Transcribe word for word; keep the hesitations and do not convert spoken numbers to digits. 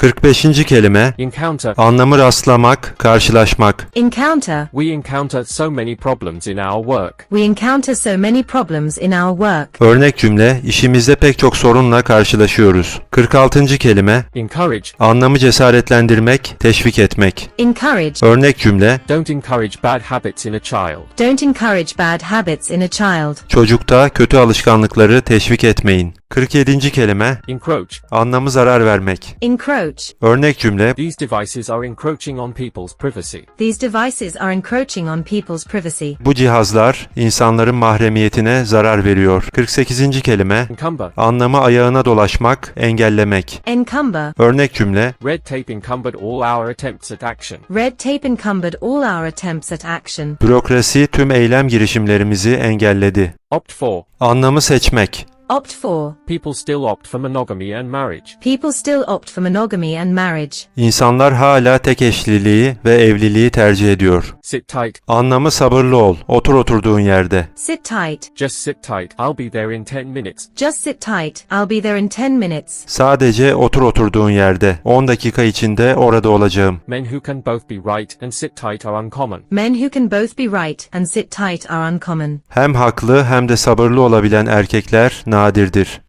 kırk beşinci kelime, Encounter. anlamı rastlamak, karşılaşmak. Encounter. We encounter so many problems in our work. We encounter so many problems in our work. Örnek cümle, işimizde pek çok sorunla karşılaşıyoruz. kırk altıncı kelime, Encourage. anlamı cesaretlendirmek, teşvik etmek. Encourage. Örnek cümle, Don't encourage bad habits in a child. Don't encourage bad habits in a child. çocukta kötü alışkanlıkları teşvik etmeyin. kırk yedinci kelime, Encroach. anlamı zarar vermek. Encroach. Örnek cümle, These devices are encroaching on people's privacy. These devices are encroaching on people's privacy. bu cihazlar insanların mahremiyetine zarar veriyor. kırk sekizinci kelime, Encumber. anlamı ayağına dolaşmak, engellemek. Encumber. Örnek cümle, Red tape encumbered all our attempts at action. Red tape encumbered all our attempts at action. bürokrasi tüm eylem girişimlerimizi engelledi. Opt for. Anlamı seçmek. Opt for. People still opt for monogamy and marriage. People still opt for monogamy and marriage. İnsanlar hala tek eşliliği ve evliliği tercih ediyor. Sit tight. Anlamı sabırlı ol, otur oturduğun yerde. Sit tight. Just sit tight. I'll be there in ten minutes. Just sit tight. I'll be there in ten minutes. Sadece otur oturduğun yerde. on dakika içinde orada olacağım. Men who can both be right and sit tight are uncommon. Men who can both be right and sit tight are uncommon. Hem haklı hem de sabırlı olabilen erkekler nadirdir.